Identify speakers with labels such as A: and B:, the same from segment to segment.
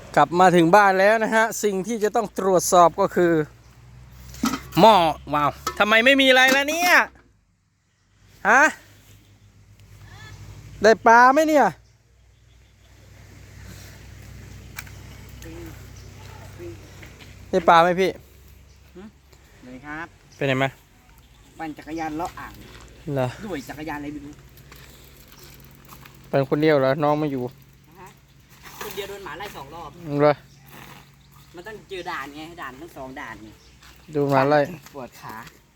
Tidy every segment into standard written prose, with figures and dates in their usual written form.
A: กลับมาถึงบ้านแล้วนะฮะสิ่งที่จะต้องตรวจสอบก็คือหม้อว้าวทำไมไม่มีอะไรแล้วเนี่ยฮะได้ปลาไหมเนี่ยได้ปลาไหมพี่
B: เลยครับ
A: ไปไหนมา
B: ปั่นจักรยานเลาะอ่าง
A: เหรอ
B: ด้วยจักรยานอะไรไม่รู้
A: เป็นคนเดียวเหรอน้องไม่อยู่
B: คนเดียวโดนหมาไล่2 รอบ
A: เหรอ
B: มันต้องเจอด่านไงด่านทั้ง2 ด่านนี่
A: ดูมาไล่
B: ปวดขา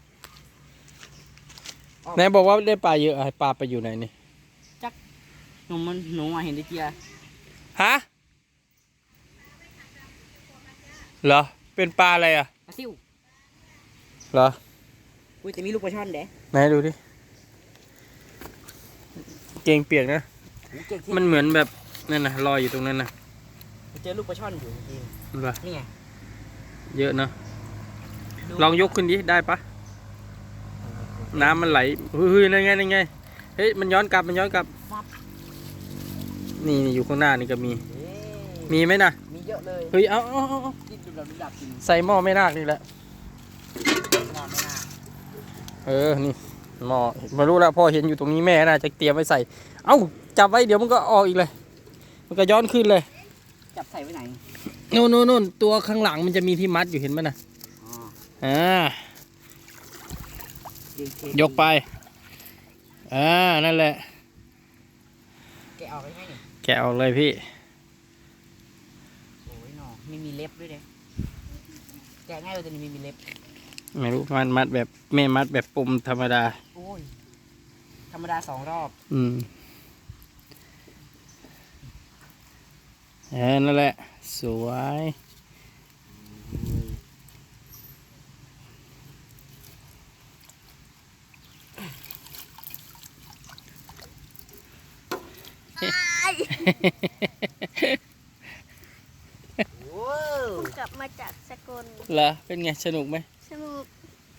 A: ไหนบอกว่าได้ปลาเยอะปลาไปอยู่ไหนนี่
B: จักหนูมาเห็นได้เจีย
A: ฮะเหรอเป็นปลาอะไรอ่ะ
B: ปลาซิว
A: เหรอ
B: อุ้ยแต่มีลูกปลาช่อนเด้
A: ไหนดูดิเกงเปียกนะมันเหมือนแบบนั่นนะลอยอยู่ตรงนั้นนะ
B: เจอลูกปลาช่อนอยู่จริงนี่ไง
A: เยอะนะลองยกขึ้นดิได้ปะน้ำมันไหลเฮ้ยนั่นไงเฮ้ยมันย้อนกลับนี่อยู่ข้างหน้านี่ก็มีไหมนะ
B: มีเยอะเลย
A: เฮ้ยเอาใส่หม้อไม่นากนี่แหละนี่หม้อมารู้แล้วพ่อเห็นอยู่ตรงนี้แม่น่าจะเตรียมไว้ใส่เอ้าจับไว้เดี๋ยวมันก็ออกอีกเลยมันก็ย้อนขึ้นเลย
B: จับใส่ไว้ไหน
A: นู่นตัวข้างหลังมันจะมีที่มัดอยู่เห็นไหมนะยกไปนั่นแหละ
B: แกะออกไปไหม
A: แกะออกเลยพี่
B: โอ้ยหนอไม่มีเล็บด้วยเด้แกะง่ายเลยแต่ไม่มีเล็บ
A: ไม่รู้มัดแบบแม่มัดแบบปุ่มธรรมดา
B: โอ้ยธรรมดา2 รอบ
A: นั่นแหละสวย
C: ผมกลับมาจากสกล
A: เหรอเป็นไงสนุกไหม
C: สนุก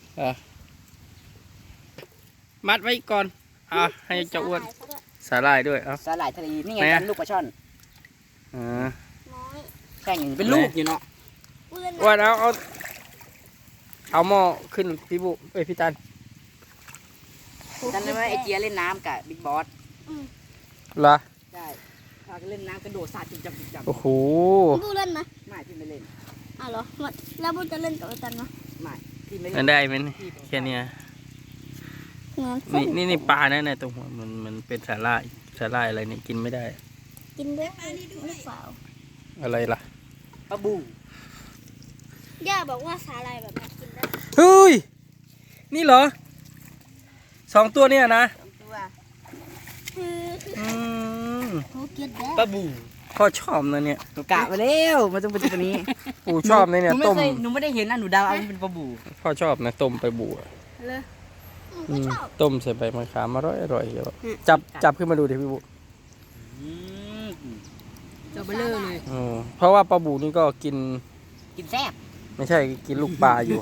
A: มัดไว้ก่อนให้เจ้าอ้วนสาหร่ายด้วย
B: สาหร่ายทะเลนี่ไงลูกปลาช่อน
C: น้อย
B: แข่งเป็นลูกอยู่เนาะ
A: อ้วนเอาหม้อขึ้นพี่บุพี่ตัน
B: จำได้ไหมไอเจียเล่นน้ำกับบิ๊กบอส
A: เหรอ
B: ใช่พากันเล่นน้ำกระโดดสาดจุ๊บ
A: โอ้โห
C: บูเล่นไหม
B: ไม่พี่ไม่เล่น
C: เหรอแล้วบูจะเล่นกับไอตันไหม
B: ไม่พี่ไม่เล่
A: นได้ไหมแค่นี้นี่ปลานะในตรงหัวมันเป็นสาหร่ายอะไรนี่กินไม่ได้
C: กินได้หรือเปล่า
A: อะไรล่ะ
B: ปลาบู
C: ย่าบอกว่าสาหร่ายแบบนี้กินได้
A: เฮ้ยนี่เหรอ2 ตัวเนี่ยนะ
B: 2 ตัว
A: ปลาบูพ่อชอบนะเนี่ย
B: หนูกะมาแล้วมันต้องเป็นตัวนี้
A: ปู่ชอบเนี่ยต้ม
B: หนูไม่ได้เห็นนะหนูเดาเอาเป็นปลาบู
A: พ่อชอบนะต้มปลาบู
C: เลย
A: ต้มใส่ใบมะขามอร่อยเยอะจับขึ้นมาดูดิพี่บุ
B: จะเบลอเลย
A: เพราะว่าปลาบูนี่ก็กิน
B: แซ่บ
A: ไม่ใช่กินลูกปลาอยู่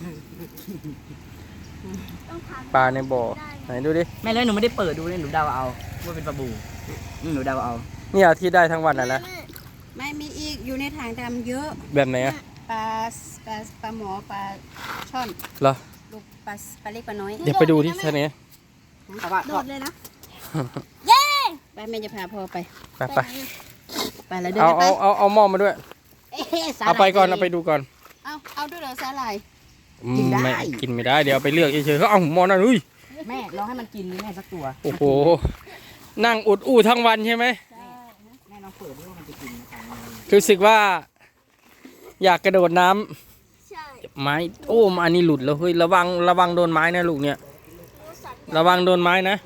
A: ปลาในบ่อไหนดูดิ
B: แม่เลยหนูไม่ได้เปิดดูเลยหนูเดาเอาว่าเป็นปลาบูหนูเดาเอา
A: นี่ที่ได้ทั้งวันนะ
C: ไม่มีอีกอยู่ในถังดำเยอะ
A: แบบไหนอะ
C: ปลาหมอปลาช่อน
A: เหรอ
C: ลูกปลาเล็กปลาน้อย
A: เดี๋ยวไปดูที่ท่านี้
C: โดดเลยนะเย้ไปแม่จะพาพ่อไปแล้วเดินไป
A: เอาหม้อมาด้วยเอาไปก่อนเอาไปดูก่อน
C: เอาด้วยเหรอสาหร่าย
A: กินไม่ได้เดี๋ยวไปเลือกเฉยๆเขาเอาหม้อนั่นอุ้ย
B: แม่ลองให้มันกินแม่สักตัว
A: โอ้โหนั่งอุดอู้ทั้งวันใช่ไหม
B: แม่ลองเปิดดูว่ามันจะกิน
A: รู้สึกว่าอยากกระโดดน้ำไม้โอ้อันนี้หลุดแล้วเฮ้ยระวังโดนไม้นะลูกเนี่ยระวังโดนไม้นะ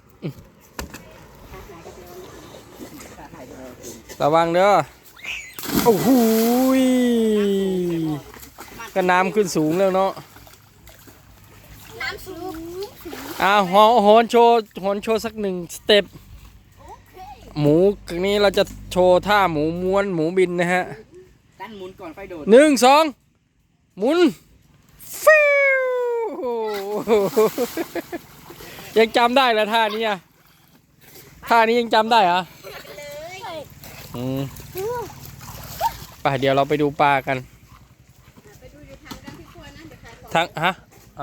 A: ระวังเด้อโอ้โหก็น้ำขึ้นสูงแล้วเนาะ
C: น้ำสูง
A: โหนโชว์สัก1 สเต็ปหมูนี้เราจะโชว์ท่าหมูม้วนหมูบินนะฮะ
B: ตั้นหมุนก่อนไฟโดด
A: 1 2หมุนฟิวยังจำได้เหรอท่านี้ยังจำได้เหรอไปเดี๋ยวเราไปดูปลากัน
C: ไปดูอยู่ทางกันที่ครัวนะเดี๋ยวขายของ
A: ทั้งฮะเอา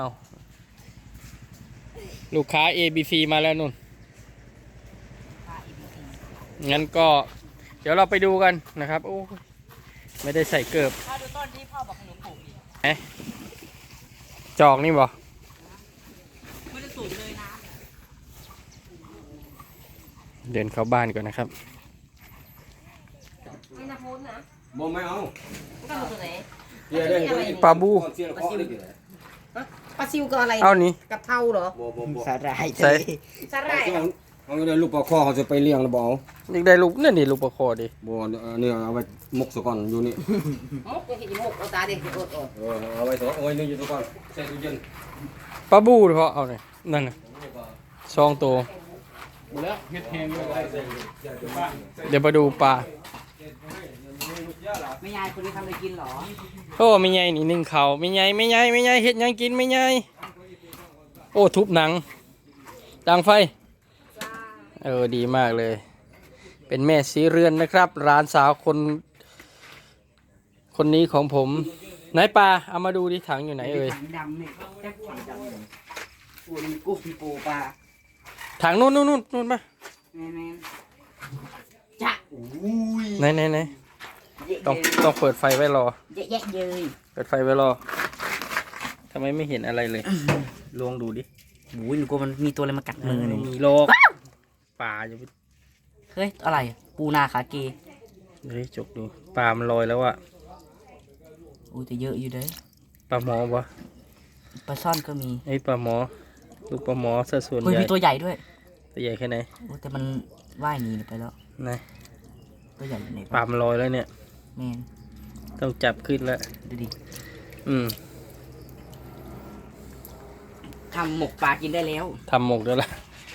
A: ลูกค้า ABC มาแล้วนุ่น งั้นก็เดี๋ยวเราไปดูกันนะครับโอ้ยไม่ได้ใส่เกิบ
B: ถ้าดูต้นที่พ่อบอกขนมปลูกอีก
A: เอ๊ะจอกนี่บ่
B: ไม่ได้สูงเลยนะ
A: เดินเข้าบ้านก่อนนะครับ
B: ไม่น่าพ้นนะ
D: บ่ไม่เอา
B: ก็เอาตัวไหน
D: เดี๋ยวเดี๋ยว
A: ปลาบู
D: เสียงเคาะเลยเดี๋ยว
B: ปลาซิวก็อะไร
A: เอานี่
B: กะเพราเหรอ
D: บ่
B: สาหร่าย
A: ใส่
B: สาหร่าย
D: เอาเดี๋ยวลูกปลาคอเขาจะไปเลี้ยงแล้วบ่เอา
A: อยากได้ลูกนั่นนี่ลูกปลาคอดิ
D: บ่เนี่ยเอาไว้หมกซะก่อนอยู่นี่
B: มุกยังเห็นมุกเอาตาดิโอด
D: เอาไว้ซะเอาไว้นี่อยู่ซะก่อนใส่ตู้เย็น
A: ปลาบูเพราะเอาเนี่ยนั่นน่ะซองตัว
D: หมดแล้วเฮ็ดแห้งเลย
A: เดี๋ยวมาดูปลา
B: ไม่ยายคนนี้ทำอะไรกินเหรอ
A: โอ้ไม่ใหญ่นี่นึ่งเขาไม่ใหญ่ไม่ใหญ่ไม่ใหญ่เฮ็ดหยังกินไม่ใหญ่โอ้ทุบหนังดังไฟดีมากเลย เป็นแม่สีเรือนนะครับร้านสาวคนนี้ของผมไหนปลาเอามาดูดิถังอยู่ไหนเอ่ย
B: ถังดำเนี่ยแจ็คถังดำเลยปูนี่กุ้งปูปลา
A: ถังนู่นมา
B: แม่จ้ะอุ้ย
A: ไหนต้องเปิดไฟไว้รอ
B: เยอะแยะเลย
A: เปิดไฟไว้รอทำไมไม่เห็นอะไรเลยลองดูดิ
B: อุ้ยหนูกลัวมันมีตัวอะไรมากัดมือหนู
A: มีโลกปลาอยู่
B: เฮ้ยอะไรปูนาขาเก
A: เฮ้ยจกดูปลามันลอยแล้วอะ
B: อุ้ยแต่เยอะอยู่เด้อ
A: ปลาหมอวะ
B: ปลาซ่อนก็มี
A: ไอ้ปลาหมอลูกปลาหมอซะส่วน
B: เฮ้ย
A: ใหญ่
B: มีตัวใหญ่ด้วย
A: ตัวใหญ่แค่ไหน
B: โอ้แต่มันว่ายหนีไปแล้ว
A: ไหน
B: ตัวใหญ่อยู่ไหน
A: ปลามันลอยแล้วเนี่ย
B: แม่น
A: ต้องจับขึ้นแล้ว
B: ดูดิ
A: อืม
B: ทำหมกปลากินได้แล้ว
A: ทำหมกแล้วล่ะ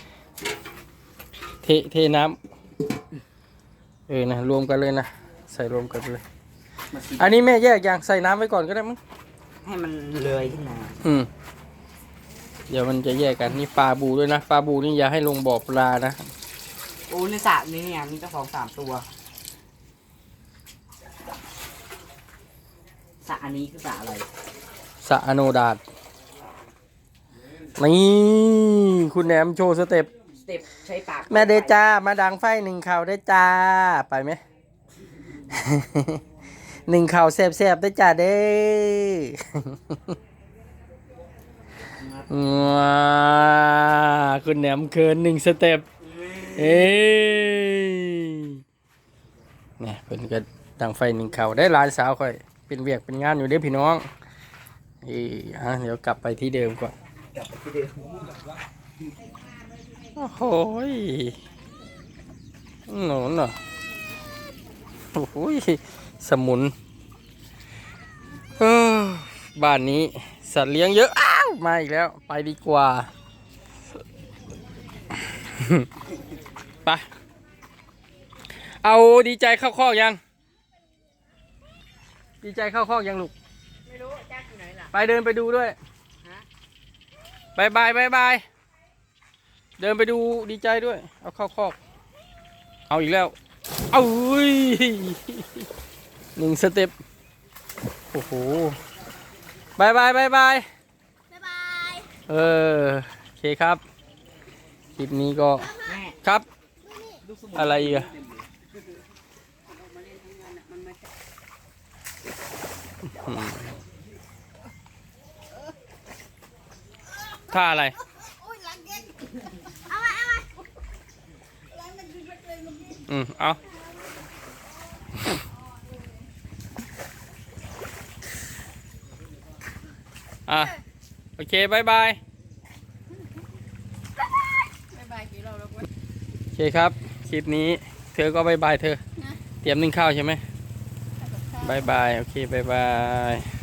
A: เทน้ำนะรวมกันเลยนะใส่รวมกันเลย อันนี้แม่แยกอย่างใส่น้ำไว้ก่อนก็ได้มั้ง
B: ให้มันเลื้อยขึ้นมา
A: เดี๋ยวมันจะแยกกันนี่ปลาบูด้วยนะปลาบูนี่อย่าให้ลงบ่อปลานะ
B: โอ้ในสระนี้เนี่ยมีเจ้าของ3 ตัวสระอันนี้คือสระอะไร
A: สะอโนดาตนี่คุณแหนมโชว์สเต็ป
B: สเต็ปใช้ปาก
A: แม่เดจ้ามาดังไฟหนึ่งข่าวได้จ้าไปไหม หนึ่งข่าวแสบๆได้จ้าเด้ว้าคุณแหนมเคิน1 สเต็ปเนี่ยเป็นก็ดังไฟหนึ่งข่าวได้หลานสาวค่อยเป็นเวียกเป็นงานอยู่เด้อพี่น้องเดี๋ยวกลับไปที่เดิมก่อนโอ้โหหนูน่ะโอ้โหสมุนบ้านนี้สัตว์เลี้ยงเยอะอ้าวมาอีกแล้วไปดีกว่า ไปเอาดีใจเข้าคอกยังดีใจเข้าคอกยังลูกไม่รู้จ้าอยู่ไหนล่ะไปเดินไปดูด้วยบายบายเดินไปดูดีใจด้วยเอาเข้าคอกเอาอีกแล้วเอา1 สเต็ปโอ้โหบายโอเคครับคลิปนี้ก็ครับอะไรอีกอะท่าอะไรเอาโอเคบายโอเคครับคลิปนี้เธอก็บายเธอเตรียมนึ่งข้าวใช่ไหมบายโอเคบาย